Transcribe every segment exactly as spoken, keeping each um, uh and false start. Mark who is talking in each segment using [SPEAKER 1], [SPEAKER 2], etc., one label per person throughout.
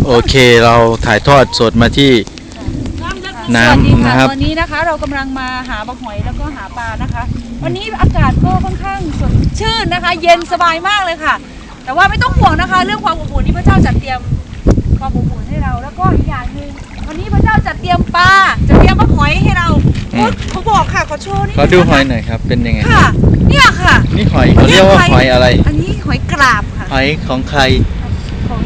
[SPEAKER 1] โอเคเราถ่ายทอดสดมาที่น้ำนะครับ
[SPEAKER 2] ตอนนี้นะคะเรากำลังมาหาปลาหอยแล้วก็หาปลานะคะ วันนี้อากาศก็ค่อนข้างสดชื่นนะคะ เย็นสบายมากเลยค่ะ แต่ว่าไม่ต้องห่วงนะคะ เรื่องความอบอุ่นที่พระเจ้าจัดเตรียมความอบอุ่นให้เราแล้วก็อีกอย่างหนึ่งวันนี้พระเจ้าจัดเตรียมปลาจะเตรียมปลาหอยให้เราเขาบอกค่ะขอโชว์นี่
[SPEAKER 1] ขอดูหอยหน่อยครับเป็นยังไง
[SPEAKER 2] ค่ะเนี่ยค่ะ
[SPEAKER 1] นี่หอยเขาเรียกว่าหอยอะไร
[SPEAKER 2] อันนี้หอยกราบค่ะ
[SPEAKER 1] หอยของใคร
[SPEAKER 2] ของ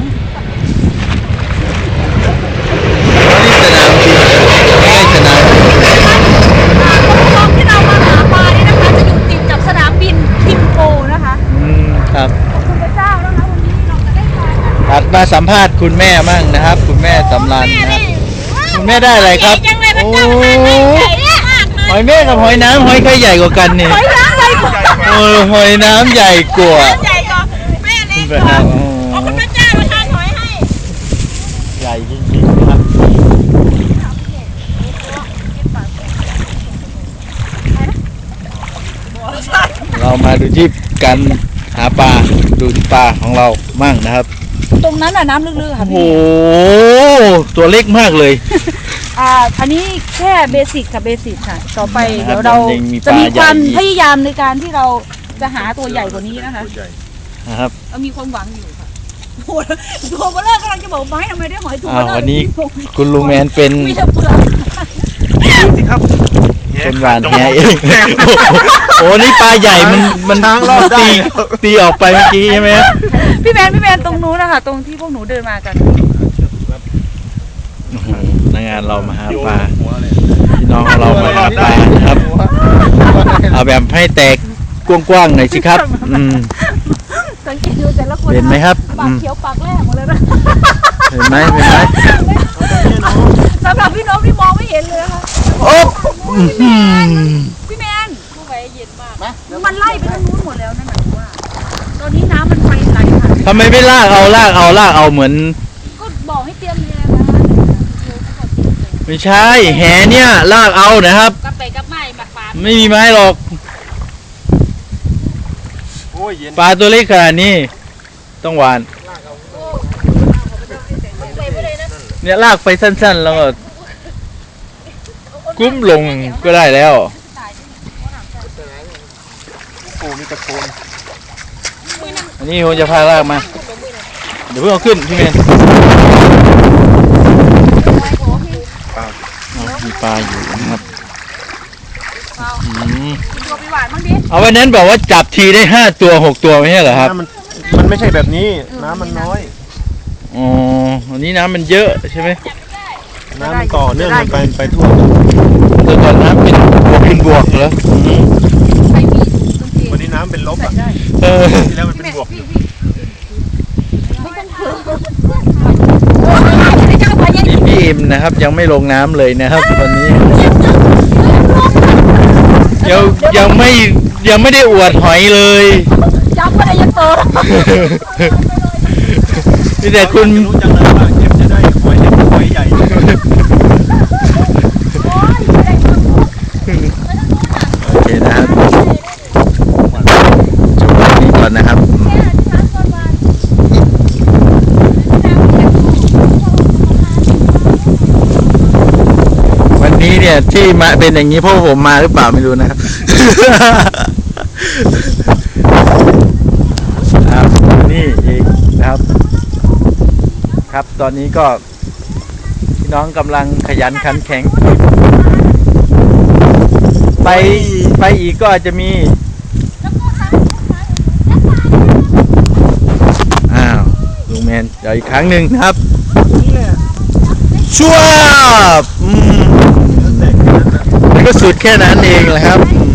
[SPEAKER 1] นี่สนามบินไม่ใช่สนาม
[SPEAKER 2] คลองที่เรามาหาปลานี่นะคะจะอยู่ติดกับสนามบินทิมโปนะคะ
[SPEAKER 1] อืมครับ
[SPEAKER 2] ขอบคุณพระเจ้านะคะวันนี้เราจะได้ปลากัน
[SPEAKER 1] ตัดมาสัมภาษณ์คุณแม่มั่งนะครับ คุณแม่สำราญนะครับคุณแม่ได้อะไรครับโอ้หอยแม่กับหอยน้ำหอยใครใหญ่กว่ากันเนี่ย
[SPEAKER 2] หอยน้ำใหญ่กว่า
[SPEAKER 1] โอ้หอยน้ำใหญ่กว่า
[SPEAKER 2] ใหญ่กว่าแม่เล็กกว่าขอบคุณพระเจ้าประทานหอยให้
[SPEAKER 1] ใหญ่จริงๆนะครับเรามาดูที่การหาปลาดูที่ปลาของเรามั่งนะครับ
[SPEAKER 2] ตรงนั้นน่ะน้ำลึกๆค่ะพี่
[SPEAKER 1] โอ้ตัวเล็กมากเลย
[SPEAKER 2] อ่าอันนี้แค่เบสิกค่ะเบสิกค่ะต่อไปเดี๋ยวเราจะมีความพยายามในการที่เราจะหาตัวใหญ่กว่านี้นะคะ
[SPEAKER 1] นะครับ
[SPEAKER 2] เรามีความหวังอยู่ค่ะโอ้ตัวเบลเลอร์กำลังจะบอกไม้ทำไมได้หอยตัวเบลเลอร์
[SPEAKER 1] วันนี้คุณลุงแมนเป็น
[SPEAKER 2] มีแต่เปลือก
[SPEAKER 3] ดูสิครับ
[SPEAKER 1] เป็นหวานแหเองโอ้นี่ปลาใหญ่มันมันตีตีออกไปเมื่อกี้ใช่ไหม
[SPEAKER 2] พี่แมนพี่แมนตรงนู้นนะคะตรงที่พวกหนูเดินมากัน
[SPEAKER 1] นักงานเรามาหาปลาพี่น้องเรามาหาปลานะครับเอาแบบให้แตกกว้างๆหน่อยสิครับอืม
[SPEAKER 2] สังเกตดูแต่ละคน
[SPEAKER 1] เห็นไหมครับ
[SPEAKER 2] ปากเขียวปากแรกหมดเลยนะ
[SPEAKER 1] เห็นไหมเห็นไหม
[SPEAKER 2] สำหรับพี่น้องที่มองไม่เห็นเลยค่ะ
[SPEAKER 1] โอ้
[SPEAKER 2] พี่แมนผู้ใหญ่เย็นมากมันไล่ไปทางนู้นหมดแล้วนั่นหมายถึงว่าตอนนี้น้ำมันไปไหลผ่าน
[SPEAKER 1] ทำไมไม่ลากเอาลากเอาลากเอาเหมือน
[SPEAKER 2] ก็บอกให้เตรียมแหนะ
[SPEAKER 1] ไม่ใช่แหเนี่ยลากเอานะครับ
[SPEAKER 2] กลับไปกับไม้แบบปลา
[SPEAKER 1] ไม่มีไม้หรอกปลาตัวเล็กขนาดนี้ต้องหวานเนี่ยลากไปสั้นๆแล้วก็กุ้มลงก็ได้แล้วอันนี้ผมจะพาลากมาเดี๋ยวเพิ่งเอาขึ้นพี่เมนมีปลาอยู่นะครับเอาวันนั้นบอกว่าจับทีได้ห้าตัวหกตัวไม่ใช่เหรอครับ
[SPEAKER 3] มันมันไม่ใช่แบบนี้น้ำมันน้อย
[SPEAKER 1] อ๋ออันนี้น้ำมันเยอะใช่ไหม
[SPEAKER 3] น้ำมันต่อเนื่องมันไปไปทั่ว
[SPEAKER 1] ตัวตอนน้ำเป็นบวกเป็นบวกเหรอ
[SPEAKER 3] วันนี้น้ำเป็นลบอ่ะที่แล้วมันเป็นบวก
[SPEAKER 1] นี่พี่อิมนะครับยังไม่ลงน้ำเลยนะครับตอนนี้ยังยังไม่ยังไม่ได้อวดหอยเลย
[SPEAKER 2] จับอะไรยังโต
[SPEAKER 1] นี่แต่คุณ
[SPEAKER 3] รู้จังเลยว่าเก็บจะได้หอยเล็กหอยใหญ่
[SPEAKER 1] โอเคนะครับจบวันนี้ก่อนนะครับวันนี้เนี่ยที่มาเป็นอย่างนี้เพราะผมมาหรือเปล่าไม่รู้นะครับครับนี่อีกนะครับครับตอนนี้ก็พี่น้องกำลังขยันขันแข็งไปไปอีกก็อาจจะมีอ้าวลุงแมนเดี๋ยวอีกครั้งหนึ่งนะครับชัวร์อืมก็สุดแค่นั้นเองแหละครับ